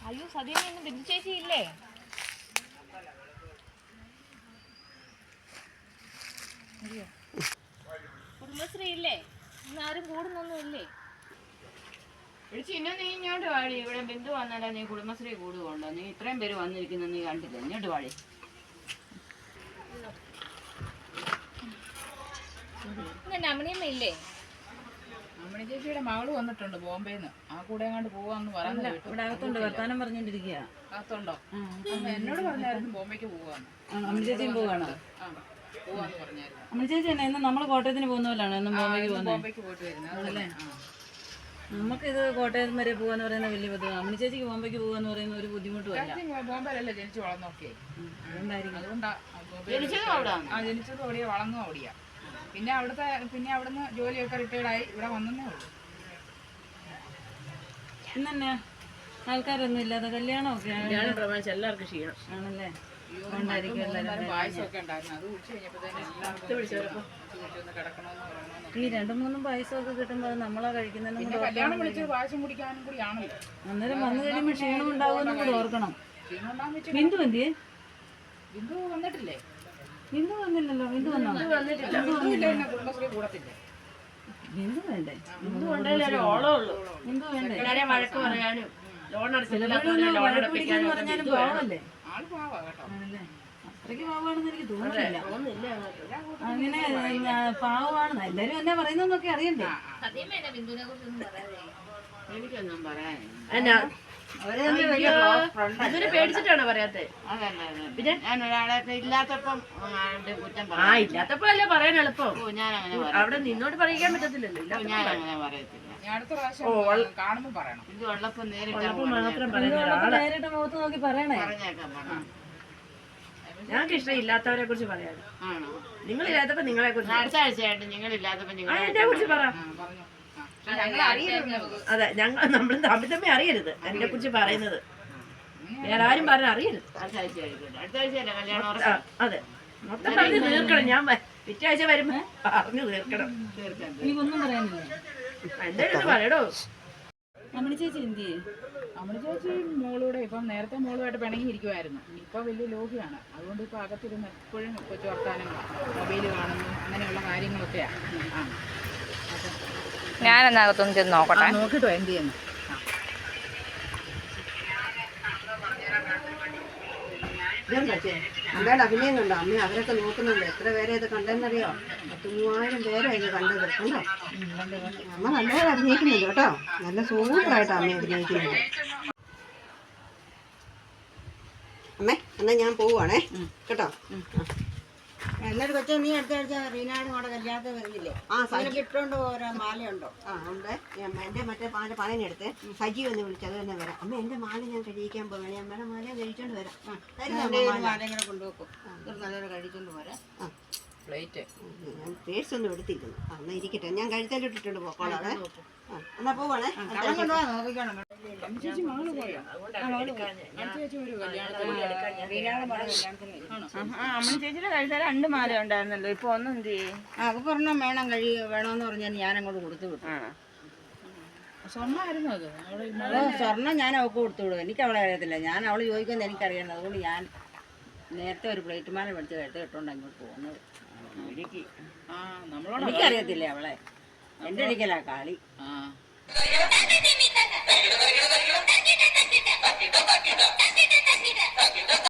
അയ്യോ സദ്യ ബിന്ദു ചേച്ചി ഇല്ലേ? കുടുംബശ്രീ ഇല്ലേ? ഇന്ന് ആരും കൂടുന്നൊന്നും ഇല്ലേ? ഇന്ന് നീ ഇങ്ങോട്ട് വാടി. ഇവിടെ ബിന്ദു വന്നാലാ നീ കുടുംബശ്രീ കൂടുകൊണ്ടോ? നീ ഇത്രയും പേര് വന്നിരിക്കുന്ന നീ കണ്ടില്ല. ഇങ്ങോട്ട് വാടി. അമ്മണിയമ്മ ഇല്ലേ? അമ്മണി ചേച്ചിയുടെ മകള് വന്നിട്ടുണ്ട് ബോംബെന്ന്. ആ കൂടെ അങ്ങോട്ട് പോവാന്ന് പറഞ്ഞു. ഇവിടെ അകത്തുണ്ട്, വർത്താനം പറഞ്ഞോണ്ടിരിക്കുക. അകത്തുണ്ടോ? എന്നോട് പറഞ്ഞായിരുന്നു ബോംബെക്ക് പോവാന്ന്. അമ്മണി ചേച്ചിയും പോവാണോ? പോവാന്ന് പറഞ്ഞായിരുന്നു. അമ്മണി ചേച്ചി തന്നെ ഇന്ന് നമ്മള് കോട്ടയത്തിന് പോകുന്ന പോലാണ് എന്നും ബോംബെക്ക് പോകുന്നത്. ബോംബെക്ക് പോയിട്ട് വരുന്നത്. നമുക്കിത് കോട്ടയം വരെ പോവാന്ന് പറയുന്ന വലിയ ബുദ്ധിമുട്ട്. അമ്മണി ചേച്ചിക്ക് ബോംബെക്ക് പോവാന്ന് പറയുന്ന ഒരു ബുദ്ധിമുട്ടുമല്ല. ബോംബെയിലല്ലേ ജനിച്ചു വളർന്നോക്കെ. അതുകൊണ്ടായിരിക്കും. അതുകൊണ്ടാ ജനിച്ചതും അവിടെയാ വളർന്നതും അവിടെയാ. പിന്നെ അവിടുന്ന് ജോലിയൊക്കെ റിട്ടയർഡായി ഇവിടെ വന്നേ ഉള്ളൂ. ഇന്നെ ആൾക്കാരൊന്നും ഇല്ലാതെ കല്യാണമൊക്കെ എല്ലാവർക്കും ക്ഷീണം ആണല്ലേ? പായസമൊക്കെ ഉണ്ടായിരുന്നു. അത് കുടിച്ചു കഴിഞ്ഞപ്പോഴത്തേനും ഈ 2-3 പായസമൊക്കെ കിട്ടുമ്പോ അത് നമ്മളാ കഴിക്കുന്നതിനും കൂടെ കല്യാണം വിളിച്ച് പായസം കുടിക്കാനും കൂടി ആണല്ലോ. അന്നേരം വന്നു കഴിയുമ്പോ ക്ഷീണം ഉണ്ടാവുമെന്നും കൂടെ ഓർക്കണം. ബിന്ദു എന്തിയെ? ബിന്ദു വന്നിട്ടില്ലേ? ബിന്ദു വന്നില്ലല്ലോ. ബിന്ദു വന്നോ? കുടുംബശ്രീ കൂടത്തില്ലേ? ബിന്ദു വേണ്ടേ? ബിന്ദു വേണ്ടേ? വഴക്ക് പറയാനും പറഞ്ഞാലും പാവല്ലേ? ആള് പാവാ കേട്ടോ. ആണല്ലേ? അത്രയ്ക്ക് പാവാണെന്ന് എനിക്ക് തോന്നുന്നില്ല. അങ്ങനെ പാവമാണ് എല്ലാരും എന്നാ പറയുന്നൊക്കെ അറിയണ്ടേ? എനിക്കൊന്നും പറയാൻ പേടിച്ചിട്ടാണോ പറയാത്തെ? പിന്നെ ഞാൻ ഒരാളെ ഇല്ലാത്തപ്പം കുറ്റം ഇല്ലാത്തപ്പോ അല്ലേ പറയാൻ എളുപ്പം. ഞാൻ അങ്ങനെ അവിടെ നിന്നോട് പറയിക്കാൻ പറ്റത്തില്ലല്ലോ. ഞാൻ അങ്ങനെ പറയത്തില്ല. അടുത്ത പ്രാവശ്യം കാണുമ്പോ പറയണം. ഇത് ഉള്ളപ്പോ നേരിട്ട് മുഖത്ത് നോക്കി പറയണേ. പറഞ്ഞേക്കാം. ഞങ്ങൾക്ക് ഇഷ്ടം ഇല്ലാത്തവരെ കുറിച്ച് പറയാനും. ആണോ? നിങ്ങളില്ലാത്തപ്പോ നിങ്ങളെ കുറിച്ച്. അടുത്ത ആഴ്ചയായിട്ട് നിങ്ങളില്ലാത്തപ്പോ എന്നെ കുറിച്ച് പറ. അതെ, നമ്മൾ തമ്മിൽ അറിയരുത് എന്നെ കുറിച്ച് പറയുന്നത്. വേറെ ആരും പറഞ്ഞ അറിയരുത്. അടുത്ത ആഴ്ചയല്ലേ കല്യാണം? അതെ, മൊത്തം പറഞ്ഞു തീർക്കണം. ഞാൻ പിറ്റേ ആഴ്ച വരുമ്പോ പറഞ്ഞു തീർക്കണം. എനിക്കൊന്നും പറയാനില്ല. എന്തായാലും പറയടോ. അമ്മണി ചേച്ചി എന്തിയെ? അമ്മണി ചേച്ചി മോളൂടെ ഇപ്പം നേരത്തെ മോളുമായിട്ട് പിണങ്ങിയിരിക്കുമായിരുന്നു. ഇപ്പൊ വലിയ ലോഹിയാണ്. അതുകൊണ്ട് ഇപ്പൊ അകത്തിരുന്ന് എപ്പോഴും കൊച്ചു വർത്താനം, മൊബൈല് കാണുന്നു, അങ്ങനെയുള്ള കാര്യങ്ങളൊക്കെയാ. ഞാനെന്നകത്തൊന്ന് ചെന്ന് നോക്കട്ടെ. നോക്കിട്ടോ എന്ത് ചെയ്യുന്നു. അമ്മയുടെ അഭിനയം കണ്ടോ? അമ്മ അവരൊക്കെ നോക്കുന്നുണ്ട്. എത്ര പേരെ ഇത് കണ്ടെന്നറിയോ? 10,000 പേരാണ് ഇത് കണ്ടത്. കണ്ടോ? അമ്മ നല്ലപോലെ അഭിനയിക്കുന്നുണ്ട് കേട്ടോ. നല്ല സൂപ്പറായിട്ടാണ് അമ്മ അഭിനയിക്കുന്നത്. അമ്മേ എന്നാ ഞാൻ പോവുകയാണേ കേട്ടോ. എന്നൊരു കൊച്ചു നീ അടുത്ത ആഴ്ച റീനാടും കൂടെ കല്യാണത്തിന് വരുന്നില്ലേ? ഇട്ടുകൊണ്ട് ഓരോ മാലയുണ്ടോ? ഉണ്ട്. എൻ്റെ മറ്റേ പണനെടുത്ത് സജി ഒന്ന് വിളിച്ചു. അത് തന്നെ വരാം. അമ്മ എൻ്റെ മാല ഞാൻ കഴിക്കാൻ പോവാണ്. അമ്മയുടെ മാല കഴിച്ചോണ്ട് വരാം. മാലയും കൂടെ കൊണ്ടുവെക്കും. നല്ലൊരു കഴിച്ചോണ്ട് പോരാ. പ്ലേറ്റ് ഞാൻ പേഴ്സ് ഒന്നും എടുത്തിരിക്കുന്നു. എന്നാ ഇരിക്കട്ടെ, ഞാൻ കഴുത്തലിട്ടിട്ടുണ്ട് പോക്കോളാതെ. എന്നാ പോവാണേ. നോക്കിക്കോണം. ചേച്ചി മകള് പോയോ? ചേച്ചി ഒരു അമ്മ ചേച്ചിയുടെ കഴിച്ചാൽ 2 മാല ഉണ്ടായിരുന്നല്ലോ. ഇപ്പൊ ഒന്നും എന്ത് ചെയ്യും? അവക്കൊരെണ്ണം വേണമെന്ന് പറഞ്ഞാൽ ഞാൻ അങ്ങോട്ട് കൊടുത്തു വിട്ടു. സ്വർണ്ണമായിരുന്നു അത്. സ്വർണ്ണം ഞാൻ അവൾക്ക് കൊടുത്തു വിടും. എനിക്ക് അവളെ അറിയത്തില്ല. ഞാൻ അവള് ചോദിക്കുന്നത് എനിക്കറിയണം. അതുകൊണ്ട് ഞാൻ നേരത്തെ ഒരു പ്ലേറ്റ് മാല മേടിച്ച് കഴുത്ത് ഇട്ടുകൊണ്ട് അങ്ങോട്ട് പോകുന്നത്. എനിക്കറിയത്തില്ലേ അവളെ? എൻ്റെ അടിക്കലാ കളി. ആ